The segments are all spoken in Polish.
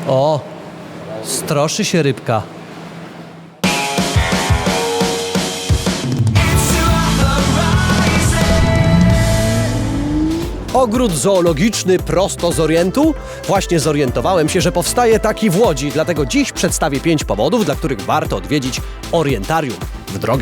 O, stroszy się rybka. Ogród zoologiczny prosto z Orientu? Właśnie zorientowałem się, że powstaje taki w Łodzi, dlatego dziś przedstawię 5 powodów, dla których warto odwiedzić Orientarium. W drogę!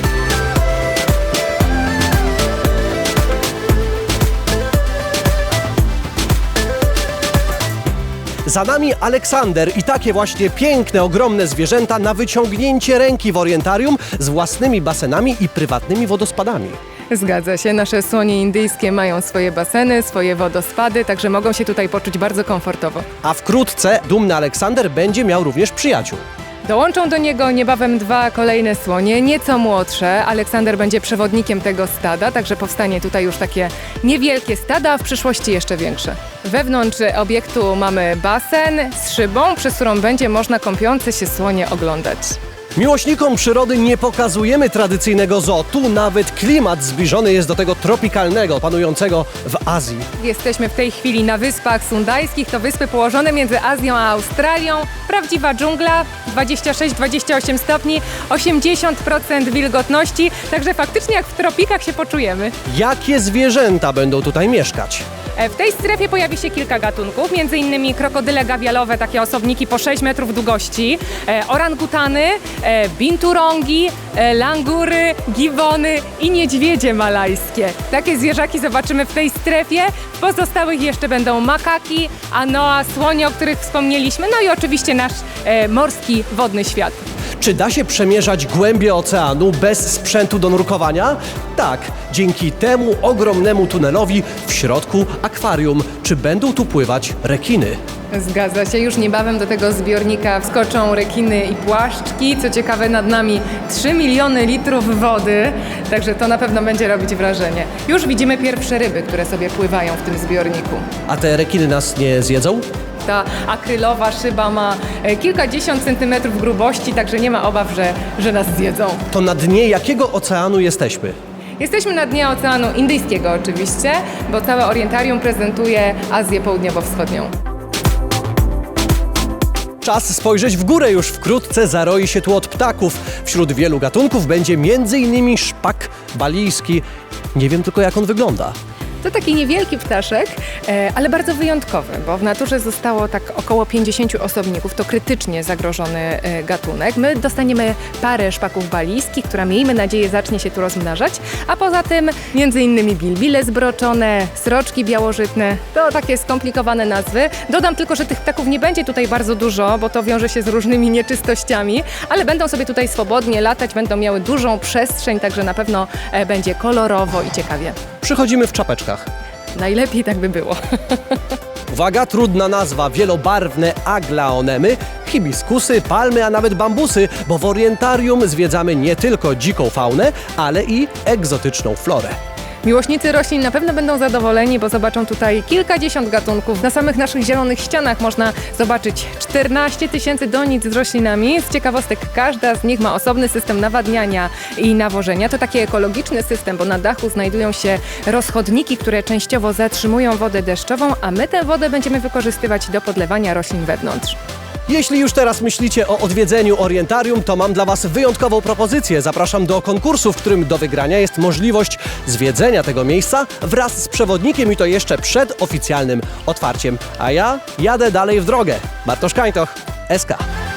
Za nami Aleksander i takie właśnie piękne, ogromne zwierzęta na wyciągnięcie ręki w Orientarium z własnymi basenami i prywatnymi wodospadami. Zgadza się, nasze słonie indyjskie mają swoje baseny, swoje wodospady, także mogą się tutaj poczuć bardzo komfortowo. A wkrótce dumny Aleksander będzie miał również przyjaciół. Dołączą do niego niebawem 2 kolejne słonie, nieco młodsze. Aleksander będzie przewodnikiem tego stada, także powstanie tutaj już takie niewielkie stada, a w przyszłości jeszcze większe. Wewnątrz obiektu mamy basen z szybą, przez którą będzie można kąpiące się słonie oglądać. Miłośnikom przyrody nie pokazujemy tradycyjnego zoo. Tu nawet klimat zbliżony jest do tego tropikalnego, panującego w Azji. Jesteśmy w tej chwili na Wyspach Sundajskich, to wyspy położone między Azją a Australią. Prawdziwa dżungla, 26-28 stopni, 80% wilgotności, także faktycznie jak w tropikach się poczujemy. Jakie zwierzęta będą tutaj mieszkać? W tej strefie pojawi się kilka gatunków, m.in. krokodyle gawialowe, takie osobniki po 6 metrów długości, orangutany, binturongi, langury, gibbony i niedźwiedzie malajskie. Takie zwierzaki zobaczymy w tej strefie. W pozostałych jeszcze będą makaki, anoa, słonie, o których wspomnieliśmy, no i oczywiście nasz morski, wodny świat. Czy da się przemierzać głębie oceanu bez sprzętu do nurkowania? Tak, dzięki temu ogromnemu tunelowi w środku akwarium. Czy będą tu pływać rekiny? Zgadza się, już niebawem do tego zbiornika wskoczą rekiny i płaszczki. Co ciekawe, nad nami 3 miliony litrów wody, także to na pewno będzie robić wrażenie. Już widzimy pierwsze ryby, które sobie pływają w tym zbiorniku. A te rekiny nas nie zjedzą? Ta akrylowa szyba ma kilkadziesiąt centymetrów grubości, także nie ma obaw, że nas zjedzą. To na dnie jakiego oceanu jesteśmy? Jesteśmy na dnie Oceanu Indyjskiego oczywiście, bo całe Orientarium prezentuje Azję Południowo-Wschodnią. Czas spojrzeć w górę, już wkrótce zaroi się tu od ptaków. Wśród wielu gatunków będzie m.in. szpak balijski. Nie wiem tylko, jak on wygląda. To taki niewielki ptaszek, ale bardzo wyjątkowy, bo w naturze zostało tak około 50 osobników. To krytycznie zagrożony gatunek. My dostaniemy parę szpaków balijskich, która miejmy nadzieję zacznie się tu rozmnażać, a poza tym m.in. bilbile zbroczone, sroczki białożytne. To takie skomplikowane nazwy. Dodam tylko, że tych ptaków nie będzie tutaj bardzo dużo, bo to wiąże się z różnymi nieczystościami, ale będą sobie tutaj swobodnie latać, będą miały dużą przestrzeń, także na pewno będzie kolorowo i ciekawie. Przychodzimy w czapeczkach. Najlepiej tak by było. Uwaga, trudna nazwa, wielobarwne aglaonemy, hibiskusy, palmy, a nawet bambusy, bo w Orientarium zwiedzamy nie tylko dziką faunę, ale i egzotyczną florę. Miłośnicy roślin na pewno będą zadowoleni, bo zobaczą tutaj kilkadziesiąt gatunków. Na samych naszych zielonych ścianach można zobaczyć 14 000 donic z roślinami. Z ciekawostek każda z nich ma osobny system nawadniania i nawożenia. To taki ekologiczny system, bo na dachu znajdują się rozchodniki, które częściowo zatrzymują wodę deszczową, a my tę wodę będziemy wykorzystywać do podlewania roślin wewnątrz. Jeśli już teraz myślicie o odwiedzeniu Orientarium, to mam dla Was wyjątkową propozycję. Zapraszam do konkursu, w którym do wygrania jest możliwość zwiedzenia tego miejsca wraz z przewodnikiem i to jeszcze przed oficjalnym otwarciem. A ja jadę dalej w drogę. Bartosz Kańtoch, SK.